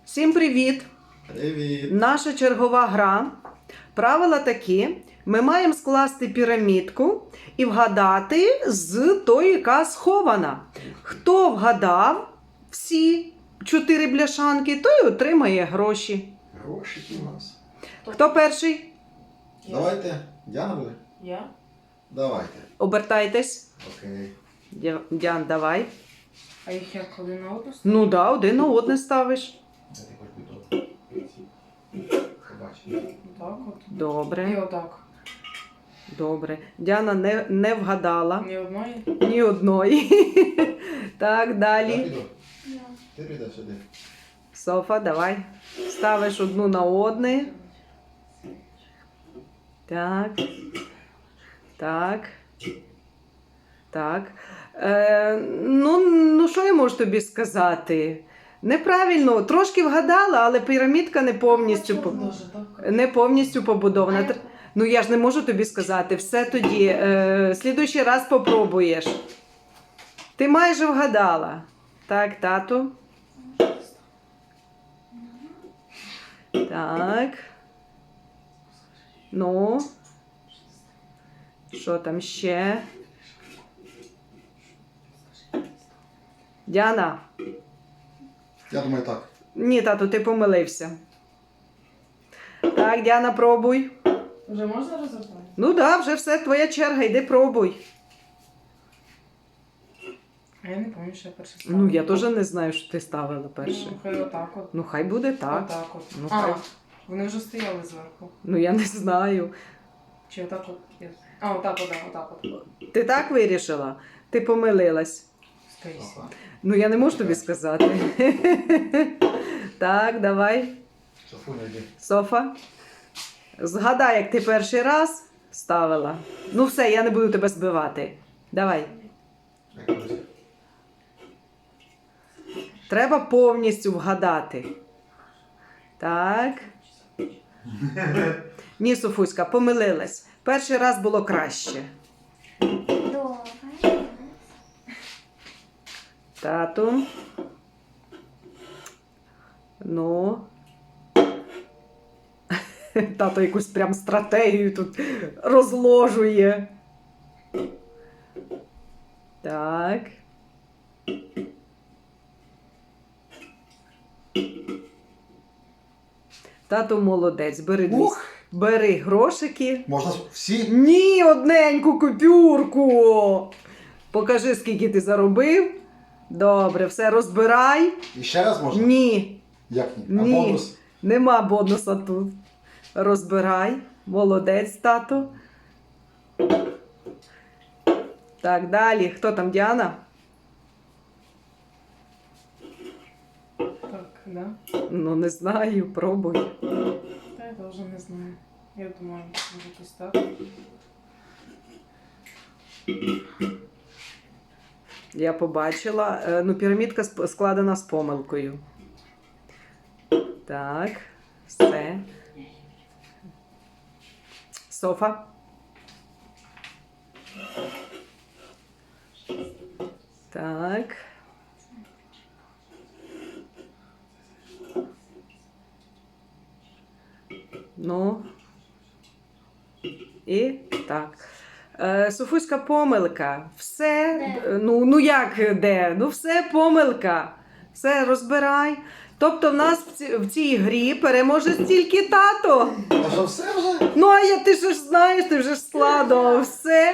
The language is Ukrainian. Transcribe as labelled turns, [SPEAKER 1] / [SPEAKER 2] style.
[SPEAKER 1] Всім привіт!
[SPEAKER 2] Привіт!
[SPEAKER 1] Наша чергова гра. Правила такі. Ми маємо скласти пірамідку і вгадати з тої, яка схована. Хто вгадав всі 4 бляшанки, той отримає гроші.
[SPEAKER 2] Грошики у нас.
[SPEAKER 1] Хто перший?
[SPEAKER 2] Давайте. Діана буде?
[SPEAKER 3] Я?
[SPEAKER 2] Давайте.
[SPEAKER 1] Обертайтесь.
[SPEAKER 2] Окей.
[SPEAKER 1] Діан, давай.
[SPEAKER 3] А їх як один на одну?
[SPEAKER 1] Ну да, один на одне ставиш.
[SPEAKER 2] Де ти хоч будь побачиш.
[SPEAKER 3] Так от. І
[SPEAKER 1] Добре,
[SPEAKER 3] отак.
[SPEAKER 1] добре. Діана не вгадала
[SPEAKER 3] Ні одної?
[SPEAKER 1] ні одної. Так,
[SPEAKER 2] Я
[SPEAKER 1] далі.
[SPEAKER 2] піду. Ти підеш сюди.
[SPEAKER 1] Софа, давай. Ставиш одну на одне. Так. Так. Так. Ну, що я можу тобі сказати? Неправильно, трошки вгадала, але пірамідка не повністю,
[SPEAKER 3] Дуже так.
[SPEAKER 1] не повністю побудована. Ну, я ж не можу тобі сказати. Все тоді. Слідуючий раз попробуєш. Ти майже вгадала. Так, тату. Так. Ну. Що там ще? Діана.
[SPEAKER 2] Я думаю так.
[SPEAKER 1] Ні, тату, ти помилився. Так, Діана, пробуй.
[SPEAKER 3] Вже можна розібрати?
[SPEAKER 1] Ну так, вже все, твоя черга, йди пробуй.
[SPEAKER 3] А я не пам'ятаю, що я перше ставила.
[SPEAKER 1] Ну, я теж не знаю, що ти ставила перше.
[SPEAKER 3] Ну, хай отак от.
[SPEAKER 1] Ну, хай буде так.
[SPEAKER 3] Отак от.
[SPEAKER 1] Ну,
[SPEAKER 3] А,
[SPEAKER 1] хай.
[SPEAKER 3] вони вже стояли зверху.
[SPEAKER 1] Ну, я не знаю.
[SPEAKER 3] Чи отак от? Є. А, отак от, да, отак от.
[SPEAKER 1] Ти так вирішила? Ти помилилась.
[SPEAKER 3] Скоріше.
[SPEAKER 2] Ага.
[SPEAKER 1] Ну, я не можу тобі сказати. Так, давай.
[SPEAKER 2] Софуня, йди.
[SPEAKER 1] Софа. Згадай, як ти перший раз ставила. Ну, все, я не буду тебе збивати. Давай.
[SPEAKER 2] Як кажуть.
[SPEAKER 1] Треба повністю вгадати. Так. Ні, Софуська, помилилась. Перший раз було краще.
[SPEAKER 4] Добре.
[SPEAKER 1] Тату. Ну. Тато якусь прям стратегію тут розложує. Так. Тато молодець, бери,
[SPEAKER 2] Ух!
[SPEAKER 1] бери грошики.
[SPEAKER 2] Можна всі?
[SPEAKER 1] Ні, одненьку купюрку. Покажи, скільки ти заробив. Добре, все розбирай.
[SPEAKER 2] І ще раз можна?
[SPEAKER 1] Ні,
[SPEAKER 2] Як ні? А
[SPEAKER 1] Ні.
[SPEAKER 2] бонус?
[SPEAKER 1] нема бонуса тут. Розбирай. Молодець, тато. Так, далі. Хто там, Діана?
[SPEAKER 3] Так, да?
[SPEAKER 1] Ну, не знаю, пробуй.
[SPEAKER 3] Та я теж не знаю. Я думаю, може якось так.
[SPEAKER 1] Я побачила. Ну, пірамідка складена з помилкою. Так, все. Софа. Так. Ну. І так. Софуська, помилка. Все. Ну як де? Ну все помилка. Все розбирай. Тобто в нас в цій грі переможе тільки тато.
[SPEAKER 2] А що все вже?
[SPEAKER 1] Ну а ти ж знаєш, ти вже ж складував все.